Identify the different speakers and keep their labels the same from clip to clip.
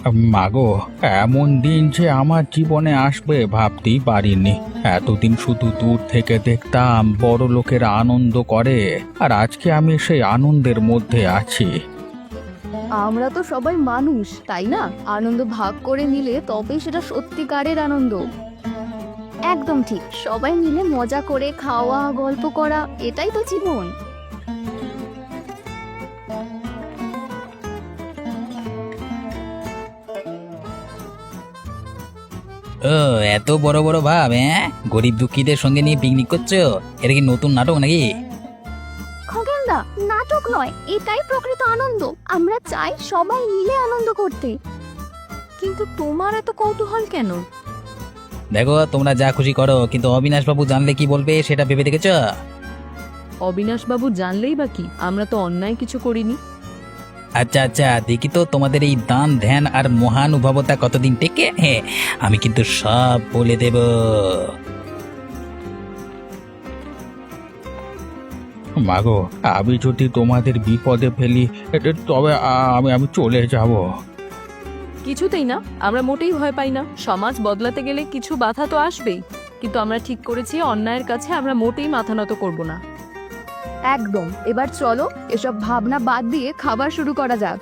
Speaker 1: মাগো, এমন দিন যে আমার জীবনে আসবে ভাবতেই পারিনি। এতদিন শুধু দূর থেকে দেখতাম বড় লোকেরা আনন্দ করে, আর আজকে আমি সেই আনন্দের মধ্যে আছি।
Speaker 2: আমরা তো সবাই মানুষ, তাই না? আনন্দ ভাগ করে নিলে তবেই সেটা সত্যিকারের আনন্দ। একদম ঠিক, সবাই মিলে মজা করে খাওয়া, গল্প করা, এটাই তো জীবন।
Speaker 3: ও, এত বড় বড় ভাব, হ্যাঁ? গরিব দুঃখীদের সঙ্গে নিয়ে পিকনিক করছো? এটা কি নতুন নাটক নাকি?
Speaker 2: খগেনদা, নাটক নয়, এটাই প্রকৃত আনন্দ। আমরা চাই সবাই মিলে আনন্দ করতে। কিন্তু তোমার এত কৌতূহল কেন?
Speaker 3: দেখো, তোমরা যা খুশি করো, কিন্তু অবিনাশ বাবু জানলে কি বলবে সেটা ভেবে দেখেছো?
Speaker 4: অবিনাশ বাবু জানলেই বা কি, আমরা তো অন্যায় কিছু করিনি।
Speaker 3: আচ্ছা আচ্ছা, দেখি তো তোমাদের এই দান ধ্যান আর মহানুভবতা কতদিন টেকে। হ্যাঁ, আমি কিন্তু সব বলে দেব।
Speaker 1: মাগো, আমি যদি তোমাদের বিপদে ফেলি, তবে আমি আমি চলে যাব।
Speaker 4: কিছুতেই না, আমরা মোটেই ভয় পাই না। সমাজ বদলাতে গেলে কিছু বাধা তো আসবেই, কিন্তু আমরা ঠিক করেছি অন্যায়ের কাছে আমরা মোটেই মাথা নত করব না।
Speaker 2: একদম। এবার চলো, এসব ভাবনা বাদ দিয়ে খাবার শুরু করা যাক।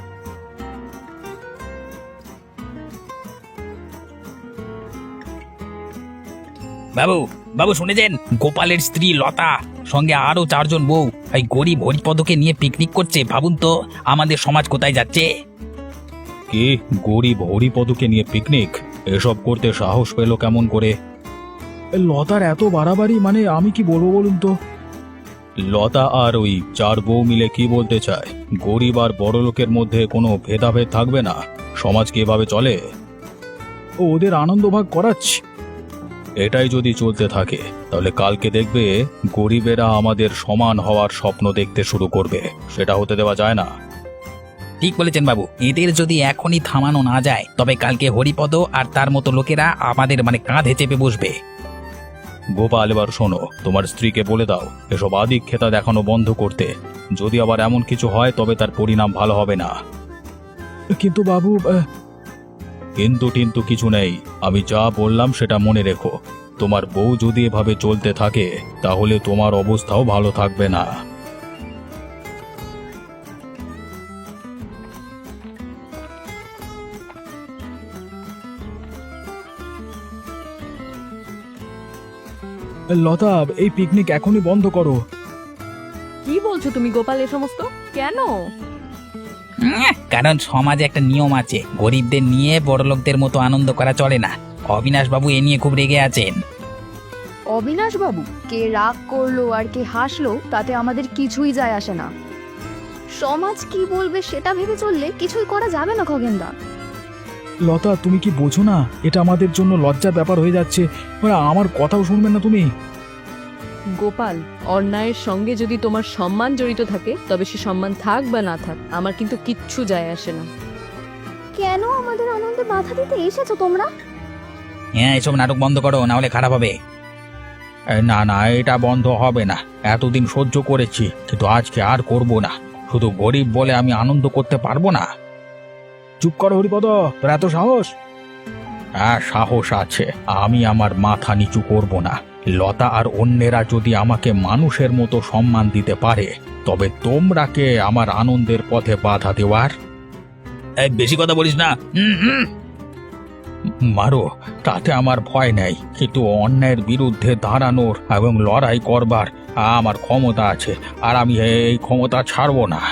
Speaker 3: বাবু, বাবু শুনেছেন? গোপালের স্ত্রী লতা সঙ্গে আরো 4জন বউ এই গরিব হরিপদকে নিয়ে পিকনিক করছে। ভাবুন তো, আমাদের সমাজ কোথায় যাচ্ছে।
Speaker 1: কি, গরিব হরিপদকে নিয়ে পিকনিক? এসব করতে সাহস পেল কেমন করে? লতার এত বাড়াবাড়ি, মানে আমি কি বলবো বলুন তো? লতা আর ওই 4 বউ মিলে কি বলতে চায়? গরিব আর বড় লোকের মধ্যে কোনো ভেদাভেদ থাকবে না। সমাজ কি এভাবে চলে? ওদের আনন্দ ভাগ করাচ্ছি। এটাই যদি চলতে থাকে, তাহলে কালকে দেখবে গরিবেরা আমাদের সমান হওয়ার স্বপ্ন দেখতে শুরু করবে। সেটা হতে দেওয়া যায় না।
Speaker 3: ঠিক বলেছেন বাবু, এদের যদি এখনই থামানো না যায়, তবে কালকে হরিপদ আর তার মতো লোকেরা আমাদের কাঁধে চেপে বসবে।
Speaker 1: গোপাল, এবার শোনো, তোমার স্ত্রীকে বলে দাও এসব আদিক্ষেতা দেখানো বন্ধ করতে। যদি আবার এমন কিছু হয় তবে তার পরিণাম ভালো হবে না। কিন্তু বাবু, কিন্তু কিন্তু কিছু নেই। আমি যা বললাম সেটা মনে রেখো। তোমার বউ যদি এভাবে চলতে থাকে, তাহলে তোমার অবস্থাও ভালো থাকবে না। লতা, এই পিকনিক এখনই বন্ধ করো।
Speaker 4: কি বলছো তুমি গোপাল এ সমস্ত? কেন?
Speaker 3: কারণ সমাজে একটা নিয়ম আছে, গরিবদের নিয়ে বড়লোকদের মতো আনন্দ করা চলে না। অবিনাশ বাবু এ নিয়ে খুব রেগে আছেন।
Speaker 2: অবিনাশ বাবু, কে রাগ করলো আর কে হাসলো তাতে আমাদের কিছুই যায় আসে না। সমাজ কি বলবে সেটা ভেবে চললে কিছুই করা যাবে না খগেনদা।
Speaker 1: লতা, তুমি কি বোঝো না? এটা আমাদের জন্য লজ্জার ব্যাপার হয়ে যাচ্ছে। আমার কথাও শুনবে না তুমি?
Speaker 4: গোপাল, অন্যায়ের সঙ্গে যদি তোমার সম্মান জড়িত থাকে, তবে সে সম্মান থাক বা না থাক, আমার কিন্তু কিচ্ছু যায় আসে না।
Speaker 2: কেন আমাদের আনন্দে বাধা দিতে এসেছো তোমরা?
Speaker 3: হ্যাঁ, এসব নাটক বন্ধ করো, না হলে খারাপ হবে।
Speaker 1: না না, এটা বন্ধ হবে না। এতদিন সহ্য করেছি, কিন্তু আজকে আর করব না। শুধু গরিব বলে আমি আনন্দ করতে পারবো না। চুপ করো হরিপদ, তোর এত সাহস? হ্যাঁ, সাহস আছে। আমি আমার মাথা নিচু করব না। লতা আর অন্যেরা যদি আমাকে মানুষের মতো সম্মান দিতে পারে, তবে তোমরা কে আমার আনন্দের পথে বাধা দেওয়ার?
Speaker 3: বেশি কথা বলিস না।
Speaker 1: মারো, তাতে আমার ভয় নেই, কিন্তু অন্যায়ের বিরুদ্ধে দাঁড়ানোর এবং লড়াই করবার আমার ক্ষমতা আছে, আর আমি এই ক্ষমতা ছাড়বো না।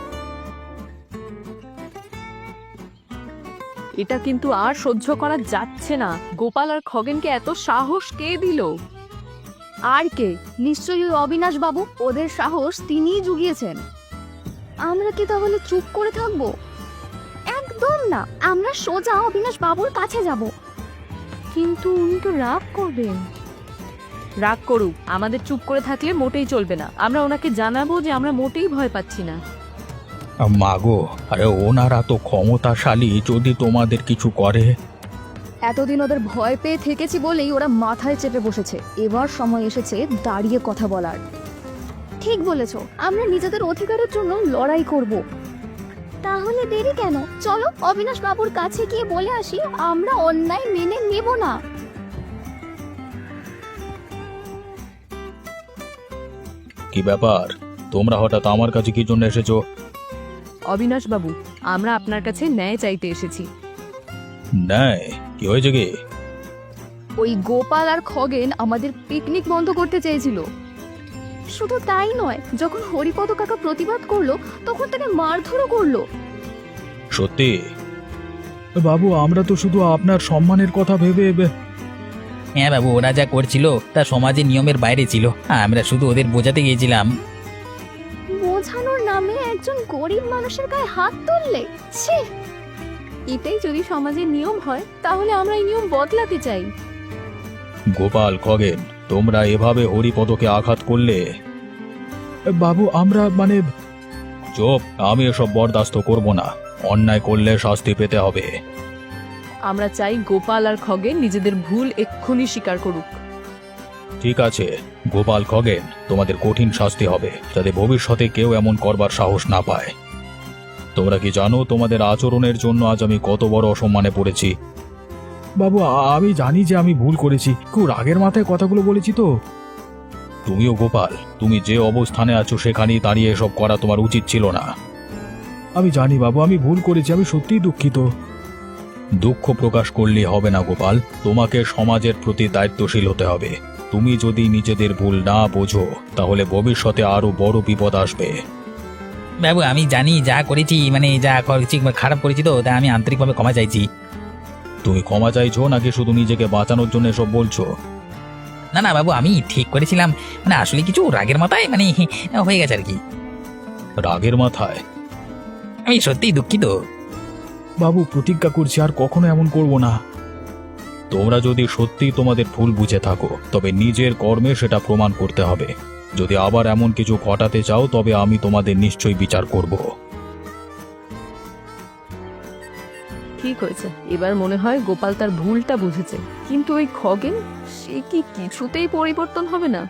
Speaker 4: এটা কিন্তু আর সহ্য করা যাচ্ছে না। গোপাল আর খগেনকে এত সাহস কে দিল?
Speaker 2: আর কে? নিশ্চয়ই ওই অবিনাশ বাবু। ওদের সাহস তিনিই জুগিয়েছেন। আমরা কি তাহলে চুপ করে থাকবো? একদম না, আমরা সোজা অবিনাশ বাবুর কাছে যাব।
Speaker 4: কিন্তু উনি তো রাগ করবেন। রাগ করুক, আমাদের চুপ করে থাকলে মোটেই চলবে না। আমরা ওনাকে জানাবো যে আমরা মোটেই ভয় পাচ্ছি না।
Speaker 1: মাগো, আরে ওনারা তো ক্ষমতাশালী, যদি তোমাদের কিছু করে।
Speaker 2: এতদিন ওদের ভয় পেয়ে থেকেছি বলেই ওরা মাথায় চেপে বসেছে। এবার সময় এসেছে দাঁড়িয়ে কথা বলার। ঠিক বলেছো, আমরা নিজেদের অধিকারের জন্য লড়াই করব। তাহলে দেরি কেন? চলো অবিনাশ বাবুর কাছে গিয়ে বলে আসি আমরা অন্যায় মেনে নেব না।
Speaker 1: কি ব্যাপার, তোমরা হঠাৎ আমার কাছে কি জন্য এসেছো?
Speaker 4: অবিনাশ বাবু, আমরা আপনার কাছে ন্যায় চাইতে এসেছি।
Speaker 1: নাই, কি হয়েছে কি?
Speaker 2: ওই গোপাল আর খগেন আমাদের পিকনিক বন্ধ করতে চেয়েছিল। শুধু তাই নয়, যখন হরিপদ কাকা প্রতিবাদ করলো তখন তাকে মারধরও করলো।
Speaker 1: সত্যি? বাবু, আমরা তো শুধু আপনার সম্মানের কথা ভেবে
Speaker 3: হ্যাঁ বাবু, ওরা যা করছিল তা সমাজের নিয়মের বাইরে ছিল। আমরা শুধু ওদের বোঝাতে গিয়েছিলাম।
Speaker 2: বোঝানোর নামে একজন গরিব মানুষের গায়ে হাত তুললে, ছি!
Speaker 4: এটাই যদি সমাজের নিয়ম হয় তাহলে আমরা এই নিয়ম বদলাতে চাই।
Speaker 1: গোপাল, খগেন, তোমরা এভাবে হরিপদকে আঘাত করলে। বাবু, আমরা চুপ, আমি এসব বরদাস্ত করব না। অন্যায় করলে শাস্তি পেতে হবে।
Speaker 4: আমরা চাই গোপাল আর খগেন নিজেদের ভুল এক্ষুনি স্বীকার করুক।
Speaker 1: ঠিক আছে গোপাল, খগেন, তোমাদের কঠিন শাস্তি হবে, যাতে ভবিষ্যতে কেউ এমন করবার সাহস না পায়। তোমরা কি জানো তোমাদের আচরণের জন্য আজ আমি কত বড় অসম্মানে পড়েছি? বাবু, আমি জানি যে আমি ভুল করেছি, খুব রাগের মাথায় কথাগুলো বলেছি তো। তুমিও গোপাল, তুমি যে অবস্থানে আছো সেখানেই দাঁড়িয়ে এসব করা তোমার উচিত ছিল না। আমি জানি বাবু, আমি ভুল করেছি, আমি সত্যিই দুঃখিত। দুঃখ প্রকাশ করলে হবে না গোপাল, তোমাকে সমাজের প্রতি দায়িত্বশীল হতে হবে। তুমি যদি নিজেদের ভুল না বোঝো তাহলে ভবিষ্যতে আরো বড় বিপদ আসবে।
Speaker 3: বাবু, আমি জানি যা করেছি, যা করেছি খারাপ করেছি, তো তা আমি আন্তরিকভাবে ক্ষমা চাইছি।
Speaker 1: তুমি ক্ষমা চাইছো নাকি শুধু নিজেকে বাঁচানোর জন্য এসব বলছো?
Speaker 3: না না বাবু, আমি ঠিক করেছিলাম, আসলে কিছু রাগের মাথায় হয়ে গেছে আর কি।
Speaker 1: রাগের মাথায়?
Speaker 3: আমি সত্যিই দুঃখিত।
Speaker 1: বাবু, প্রতিজ্ঞা করছি আর কখনো এমন করব না। তোমরা যদি সত্যি তোমাদের ভুল বুঝে থাকো তবে নিজের কর্মে সেটা প্রমাণ করতে হবে। যদি আবার এমন কিছু ঘটাতে চাও তবে আমি তোমাদের নিশ্চয়ই বিচার করব।
Speaker 4: ঠিক হয়েছে, এবার মনে হয় গোপাল তার ভুলটা বুঝেছে, কিন্তু ওই খগেন, সে কি কিছুতেই পরিবর্তন হবে না।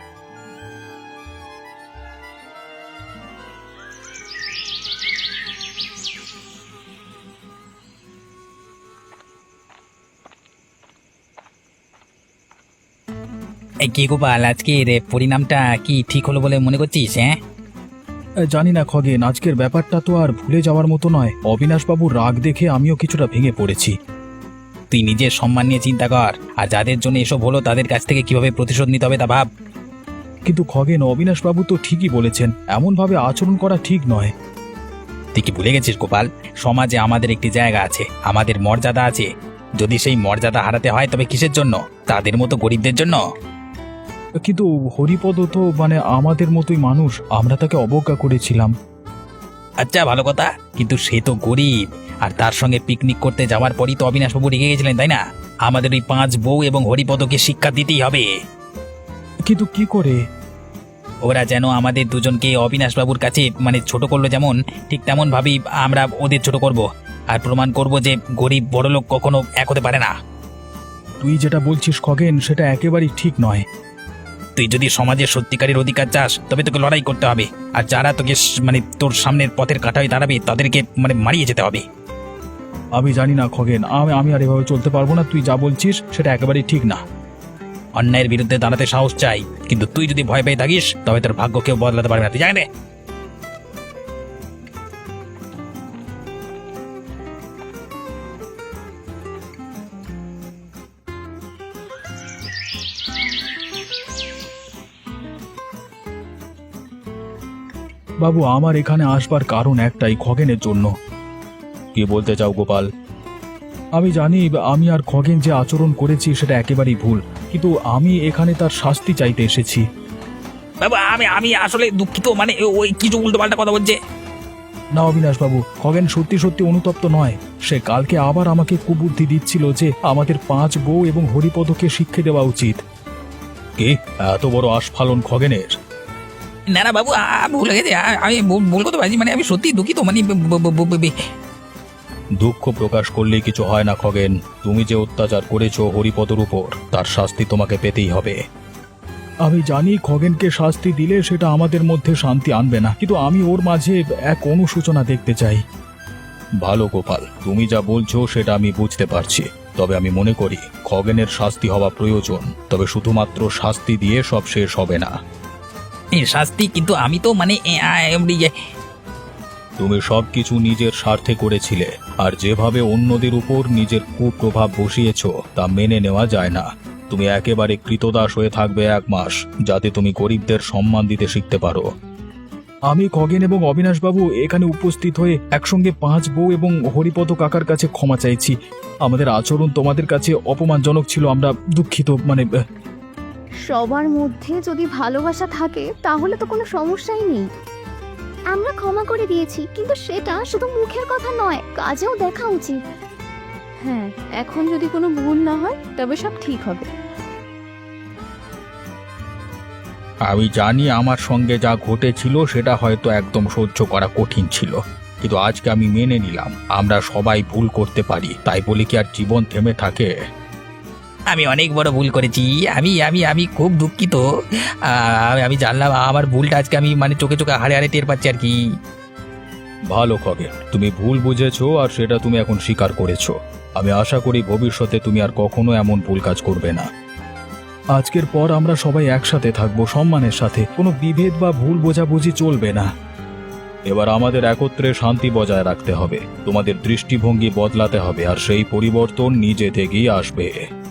Speaker 3: কি গোপাল, আজকের পরিণামটা কি ঠিক হলো বলে মনে করছিস? হ্যাঁ,
Speaker 1: জানি না খগেন, আজকের ব্যাপারটা তো আর ভুলে যাওয়ার মতো নয়। অবিনাশবাবুর রাগ দেখে আমিও কিছুটা ভেঙে পড়েছি।
Speaker 3: তুই নিজের সম্মান নিয়ে চিন্তা কর, আর যাদের জন্য এসব হলো তাদের কাছ থেকে কিভাবে প্রতিশোধ নিতে হবে তা ভাব।
Speaker 1: কিন্তু খগেন, অবিনাশবাবু তো ঠিকই বলেছেন, এমনভাবে আচরণ করা ঠিক নয়।
Speaker 3: তুই কি ভুলে গেছিস গোপাল, সমাজে আমাদের একটি জায়গা আছে, আমাদের মর্যাদা আছে। যদি সেই মর্যাদা হারাতে হয় তবে কিসের জন্য? তাদের মতো গরিবদের জন্য।
Speaker 1: কিন্তু হরিপদ তো আমাদের মতোই মানুষ, আমরা তাকে অবজ্ঞা করেছিলাম।
Speaker 3: আচ্ছা, ভালো কথা, কিন্তু সে তো গরিব, আর তার সঙ্গে পিকনিক করতে যাওয়ার পরই তো অবিনাশবাবু রেগে গেছিলেন, তাই না? আমাদের ওই 5 বউ এবং হরিপদকে শিক্ষা দিতেই হবে।
Speaker 1: কিন্তু কি করে?
Speaker 3: ওরা যেন আমাদের দুজনকে অবিনাশবাবুর কাছে ছোট করলো, যেমন ঠিক তেমন ভাবেই আমরা ওদের ছোট করব, আর প্রমাণ করব যে গরিব বড়লোক কখনো এক হতে পারে না।
Speaker 1: তুই যেটা বলছিস খগেন, সেটা একেবারেই ঠিক নয়।
Speaker 3: তুই যদি সমাজের সত্যিকারের অধিকার চাস তবে তোকে লড়াই করতে হবে, আর যারা তোকে তোর সামনের পথের কাঁটা হয়ে দাঁড়াবে তাদেরকে মারিয়ে যেতে হবে।
Speaker 1: আমি জানি না খগেন, আমি আর এভাবে চলতে পারবো না। তুই যা বলছিস সেটা একেবারেই ঠিক না।
Speaker 3: অন্যায়ের বিরুদ্ধে দাঁড়াতে সাহস চাই, কিন্তু তুই যদি ভয় পেয়ে থাকিস তবে তোর ভাগ্য কেউ বদলাতে পারবে না, তুই জানে।
Speaker 1: বাবু, আমার এখানে আসবার কারণ একটাই, খগেনের জন্য। কি বলতে চাও গোপাল? আমি জানি আমি আর খগেন যে আচরণ করেছি সেটা একেবারেই ভুল, কিন্তু আমি এখানে তার শাস্তি চাইতে এসেছি।
Speaker 3: বাবা, আমি আসলে দুঃখিত, ওই কিছু উল্টো পাল্টা কথা বলছে।
Speaker 1: না অবিনাশবাবু, খগেন সত্যি সত্যি অনুতপ্ত নয়। সে কালকে আবার আমাকে কুবুদ্ধি দিচ্ছিল যে আমাদের 5 বউ এবং হরিপদকে শিক্ষা দেওয়া উচিত। কে এত বড় আস্ফালন খগেনের?
Speaker 3: না না বাবু, ভুল হয়ে গেছে, আমি ভুল করতে পারছি, আমি সত্যি দুঃখিত।
Speaker 1: দুঃখ প্রকাশ করলে কিছু হয় না খগেন। তুমি যে অত্যাচার করেছো হরিপদর উপর, তার শাস্তি তোমাকে পেতেই হবে। আমি জানি খগেনকে শাস্তি দিলে সেটা আমাদের মধ্যে শান্তি আনবে না, কিন্তু আমি ওর মাঝে এক অনুশোচনা দেখতে চাই। ভালো গোপাল, তুমি যা বলছো সেটা আমি বুঝতে পারছি, তবে আমি মনে করি খগেনের শাস্তি হওয়া প্রয়োজন, তবে শুধুমাত্র শাস্তি দিয়ে সব শেষ হবে না।
Speaker 3: শাস্তি? কিন্তু আমি তো মানে
Speaker 1: তুমি সবকিছু নিজের স্বার্থে করেছিলে, আর যেভাবে অন্যদের উপর নিজের কুপ্রভাব বসিয়েছো তা মেনে নেওয়া যায় না। তুমি একেবারে কৃতদাস হয়ে থাকবে 1 মাস, যাতে তুমি গরিবদের সম্মান দিতে শিখতে পারো। আমি খগেন এবং অবিনাশবাবু এখানে উপস্থিত হয়ে একসঙ্গে 5 বউ এবং হরিপদ কাকার কাছে ক্ষমা চাইছি। আমাদের আচরণ তোমাদের কাছে অপমানজনক ছিল, আমরা দুঃখিত।
Speaker 2: সবার মধ্যে যদি ভালোবাসা থাকে তাহলে তো কোনো সমস্যাই নেই। আমরা ক্ষমা করে দিয়েছি, কিন্তু সেটা শুধু মুখের কথা নয়, কাজেও দেখা উচিত।
Speaker 4: হ্যাঁ, এখন যদি কোনো ভুল না হয় তবে সব ঠিক হবে।
Speaker 1: আমি জানি আমার সঙ্গে যা ঘটেছিল সেটা হয়তো একদম সহ্য করা কঠিন ছিল, কিন্তু আজকে আমি মেনে নিলাম আমরা সবাই ভুল করতে পারি, তাই বলে কি আর জীবন থেমে থাকে?
Speaker 3: আমি অনেক বড় ভুল করেছি। আমি আমি আমি খুব দুঃখিত। আমি জানলাম আমার ভুলটা আজকে আমি মানে চোখে চোখে হাড়ে হাড়ে টের পাচ্ছি আর কি।
Speaker 1: ভালো খগেন, তুমি ভুল বুঝেছো আর সেটা তুমি এখন স্বীকার করেছো। আমি আশা করি ভবিষ্যতে তুমি আর কখনো এমন ভুল কাজ করবে না। আজকের পর আমরা সবাই একসাথে থাকবো, সম্মানের সাথে। কোনো বিভেদ বা ভুল বোঝাবুঝি চলবে না। এবার আমাদের একত্রে শান্তি বজায় রাখতে হবে, তোমাদের দৃষ্টিভঙ্গি বদলাতে হবে, আর সেই পরিবর্তন নিজে থেকেই আসবে।